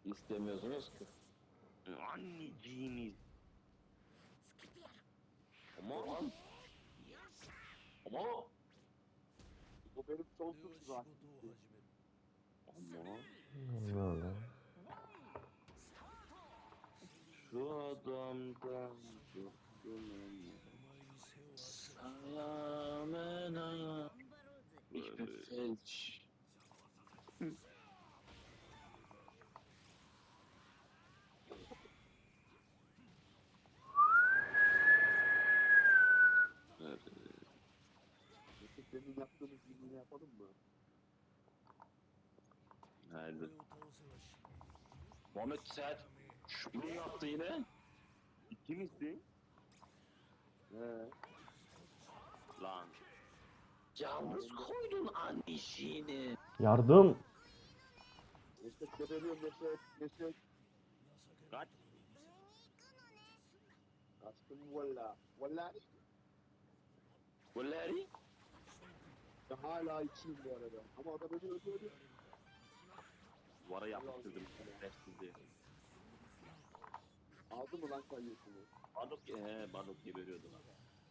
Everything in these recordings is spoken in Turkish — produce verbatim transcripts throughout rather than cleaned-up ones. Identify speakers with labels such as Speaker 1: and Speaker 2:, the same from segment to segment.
Speaker 1: İstemiyorsunuz ki.
Speaker 2: Anneciğimiz. Ama ama
Speaker 3: O benim sonsuz zaten.
Speaker 2: ama
Speaker 4: Böyle.
Speaker 2: şu adamdan kurtulamam. Sayamena.
Speaker 1: Ich bin
Speaker 2: Böyle.
Speaker 1: felç.
Speaker 2: Evet.
Speaker 3: Mesela senin yaptığımız gibi yapalım mı?
Speaker 2: Nerede? Muhammed sen şunu yaptı yine. İkimizsin.
Speaker 3: He.
Speaker 2: Lan.
Speaker 1: Yalnız koydun anneciğini.
Speaker 4: Yardım.
Speaker 3: Neşet geberiyor Neşet. Neşet.
Speaker 2: Kaç.
Speaker 3: Kaçtım valla. Valla
Speaker 2: Golleri.
Speaker 3: ben hala içeyim bu arada. Ama adam ölüyor ölüyor ölüyor.
Speaker 2: Duvara yapıştırdım. Restsiz diye.
Speaker 3: Aldı mı lan kayıyorsunu?
Speaker 2: Bardak, he, bardak geberiyordu lan.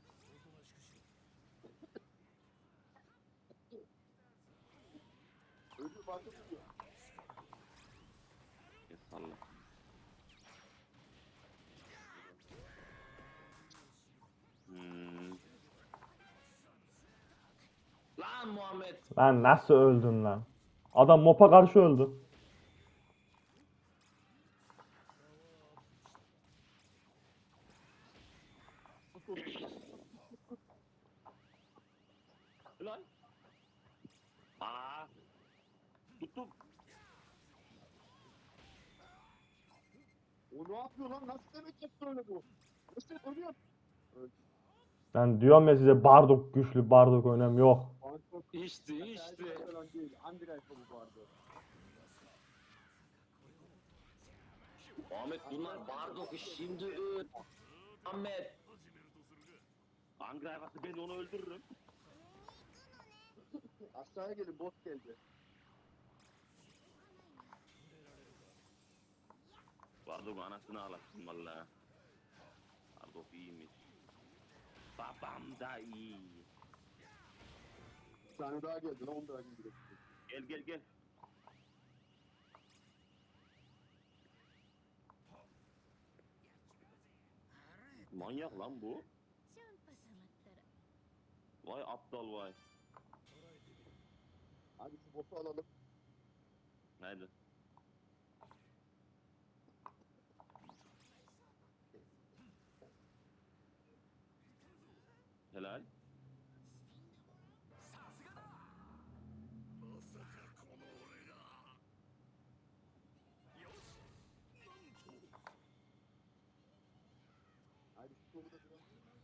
Speaker 3: Ölüyor farkı ölüyor.
Speaker 2: Ya salla. Hmm.
Speaker 1: Lan Muhammed.
Speaker 4: Lan nasıl öldün lan? Adam mopa karşı öldü.
Speaker 2: Lan. Aa. Tuttum.
Speaker 3: O ne yapıyor lan? Nasıl demek yaptı öyle bu? Neşet ölüyor. Öldü.
Speaker 4: Ben diyorum ya size Bardock güçlü, Bardock önem yok.
Speaker 3: Banko.
Speaker 1: İçti içti.
Speaker 3: Falan değil. Andirayfa bu vardı.
Speaker 1: Muhammed bunlar Bardok'u şimdi öl. Muhammed.
Speaker 2: Hangi hayvası ben onu öldürürüm.
Speaker 3: Aşağıya gelin bot geldi.
Speaker 2: Bardak anasını ağlatsın valla. Bardak iyiymiş. Babam da iyi.
Speaker 3: Bir tane daha geldi lan onu da indirek.
Speaker 2: Gel gel gel. Manyak lan bu. Vay aptal vay.
Speaker 3: Hadi şu botu alalım.
Speaker 2: Nerede? Helal.
Speaker 3: Hadi şu kolu da biraz.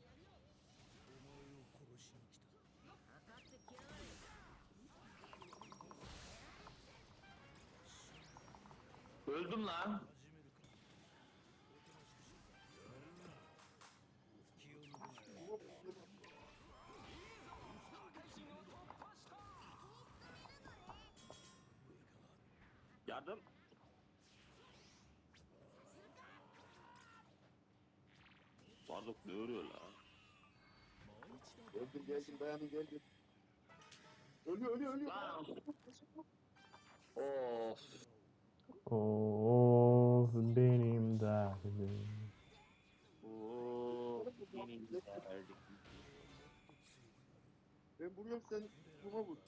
Speaker 1: Öldüm lan.
Speaker 2: Yardım. Bardak ne örüyor lan?
Speaker 3: Geldim geldim dayanın geldim. Ölüyor ölüyor ölüyor.
Speaker 1: Lan. Of.
Speaker 4: Of benim derdim.
Speaker 2: Oo, benim derdim.
Speaker 3: Ben vuruyorum sen buna vur.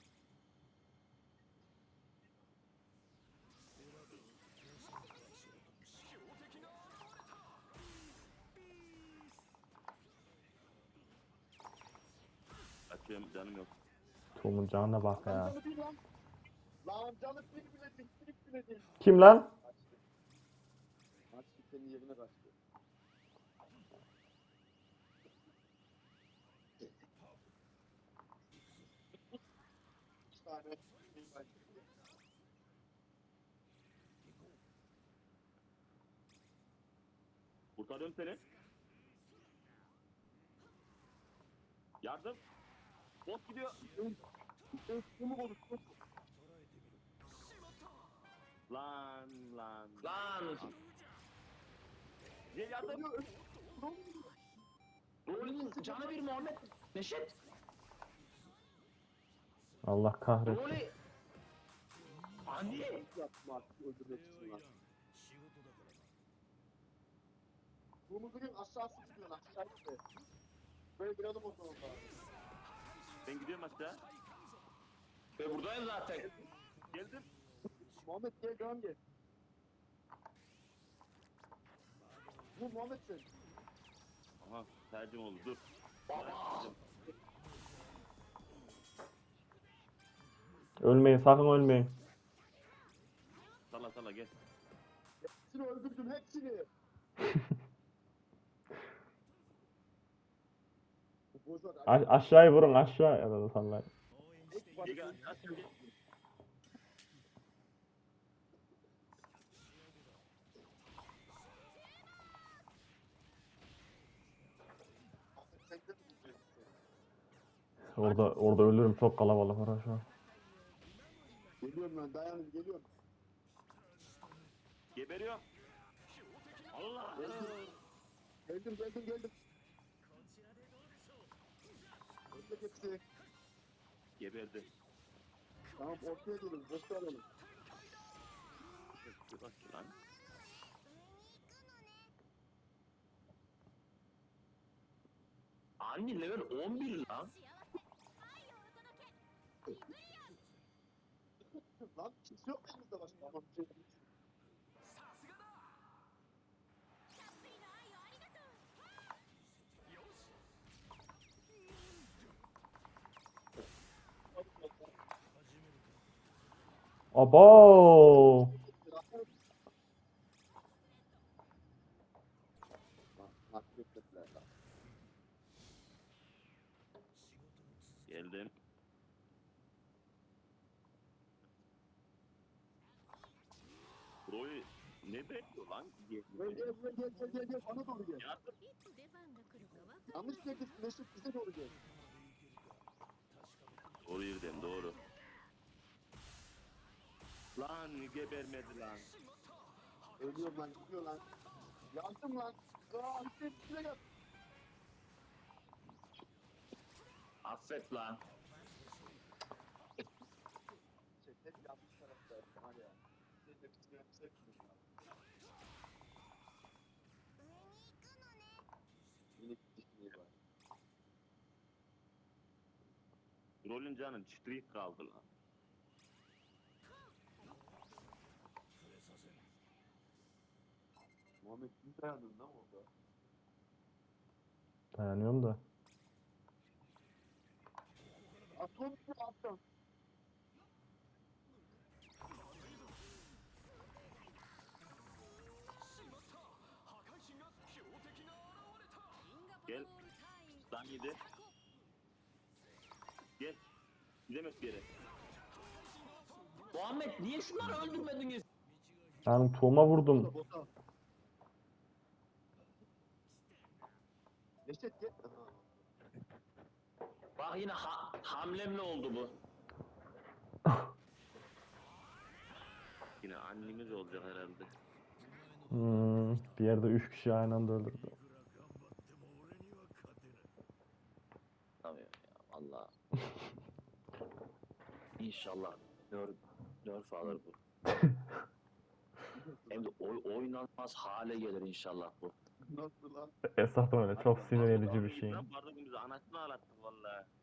Speaker 2: Açıyorum canım yok.
Speaker 4: Tom'un canına bak
Speaker 3: Lan
Speaker 4: ya.
Speaker 3: canı değil lan. Lan canı bir bile değil. Bir bile değil.
Speaker 4: Kim lan?
Speaker 3: Kaçtı. Kaçtı senin yerine kaçtı. İki tane şey kaçtı.
Speaker 2: Kurtarıyorum seni. Yardım. Bot gidiyor.
Speaker 3: Sen bunu konuştun.
Speaker 2: Lan lan.
Speaker 1: Lan.
Speaker 2: Gel yardım.
Speaker 1: Rolün canı bir Muhammed. Neşet.
Speaker 4: Allah kahretsin.
Speaker 1: Rolü. Anne.
Speaker 3: Yapma artık öldürmek için lan. Bunu bugün aşağı sıkıyor lan. Aşağı gitti. Böyle bir adım olsun orada.
Speaker 2: Ben gidiyorum aşağı.
Speaker 1: Ve buradayım zaten.
Speaker 2: Geldim.
Speaker 3: Muhammed gel devam gel. Bu Muhammed sen.
Speaker 2: Aha tercih oldu dur.
Speaker 1: Baba.
Speaker 4: Ölmeyin, sakın ölmeyin.
Speaker 2: Salla salla gel.
Speaker 3: Hepsini öldürdüm hepsini. Bu bozar.
Speaker 4: A- aşağıya vurun, aşağı ya da sallayın.
Speaker 2: Gel gel aşağı gel.
Speaker 3: Sen de mi gidiyorsun?
Speaker 4: Orada orada ölürüm, çok kalabalık var şu an.
Speaker 3: Geliyorum lan dayanın geliyorum.
Speaker 2: Geberiyorum. Allah.
Speaker 3: Geldim geldim geldim. Öldü hepsi.
Speaker 2: Geberdi.
Speaker 3: Tamam ortaya gelin. Boşta alalım.
Speaker 2: Dur bak lan.
Speaker 1: Anne level on bir lan.
Speaker 3: Lan kimse yok elimizde başka. Tamam. bir şey yok.
Speaker 4: Abo!
Speaker 3: Lan, mahvettiler lan.
Speaker 2: Geldim. Roy ne bekliyor lan?
Speaker 3: Gel gel gel gel gel gel gel bana doğru gel.
Speaker 2: Yardım.
Speaker 3: Yanlış geldik Mesut bize doğru gel.
Speaker 2: Doğru yerden doğru. Lan gebermedi lan.
Speaker 3: Ölüyorum lan gidiyor lan. Yandım lan. Aa işte bize gel.
Speaker 1: Affet lan.
Speaker 3: Şey, hep yanlış tarafta var ya. Şey, hepsini hepsi hepsini. Minik dişliği var.
Speaker 2: Rolün canın çiftlik kaldı lan.
Speaker 3: Muhammed bir dayandın lan orada.
Speaker 4: Dayanıyorum da.
Speaker 3: Atom bir atom.
Speaker 2: Gel. Lan yedi. Gel. Gidemez bir yere.
Speaker 1: Muhammed niye şunları öldürmediniz?
Speaker 4: Ben tuğuma vurdum.
Speaker 3: Bota bota. Neşet gel. Aha.
Speaker 1: Bak yine ha hamlemle oldu bu.
Speaker 2: Yine annemiz olacak herhalde.
Speaker 4: Hmm, bir yerde üç kişi aynı anda öldürdü.
Speaker 1: Tabii ya valla. İnşallah nerf, nerf alır bu. Hem de oy, oynanmaz hale gelir inşallah bu.
Speaker 3: Nasıl lan?
Speaker 4: Esas öyle çok sinir edici bir şey.
Speaker 2: Lan bardak bizi anasını ağlattı valla.